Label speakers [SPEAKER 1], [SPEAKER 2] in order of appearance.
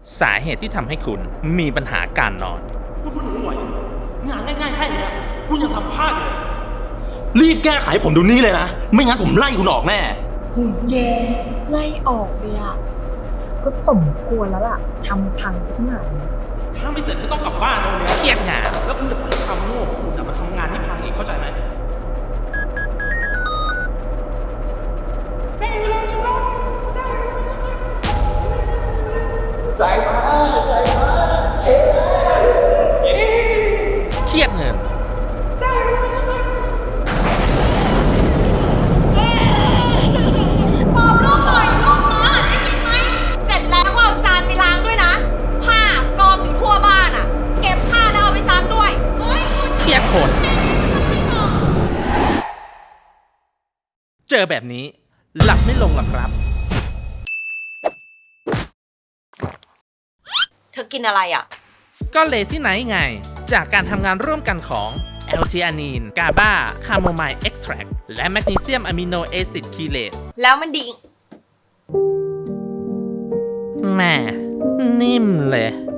[SPEAKER 1] สาเหตุที่ทำให้คุณมีปัญหาการนอน
[SPEAKER 2] คุณไม่รู้ไหวงานง่ายๆแค่นี้คุณยังทำพลาดเลย รีบแก้ไขผมดูนี้เลยนะ ไม่งั้นผมไล่คุณออกแน่
[SPEAKER 3] แกไล่ออกเลยอ่ะก็สมควรแล้วล่ะทำพังซะขนาดนี้
[SPEAKER 2] ถ้าไม่เสร็จไม่ต้องกลับบ้านนะวันนี้
[SPEAKER 1] เครียดงาน
[SPEAKER 2] แล้วคุณจะไปทำโง่คุณจะมาทำงานที่พังอีกเข้าใจไหม
[SPEAKER 1] เครียดเงิน
[SPEAKER 4] ปอบลูกหน่อยลูกน้อยได้ยินไหมเสร็จแล้วก็เอาจานไปล้างด้วยนะ ผ้ากองอยู่ทั่วบ้านอ่ะ เก็บผ้าแล้วเอาไปซักด้วยเฮ้ยคุณ
[SPEAKER 1] เครียดคน เจอแบบนี้ หลับไม่ลงหรอกครับ
[SPEAKER 4] เธอกินอะไรอ่ะ
[SPEAKER 1] ก็เลซี่ไนท์ไง จากการทำงานร่วมกันของ L-theanine GABA คาโมไมล์เอ็กซ์แทรและแมกนีเซียมอะมิโนแอซิดคีเลต
[SPEAKER 4] แล้วมันดี
[SPEAKER 1] แหม่นิ่มเลย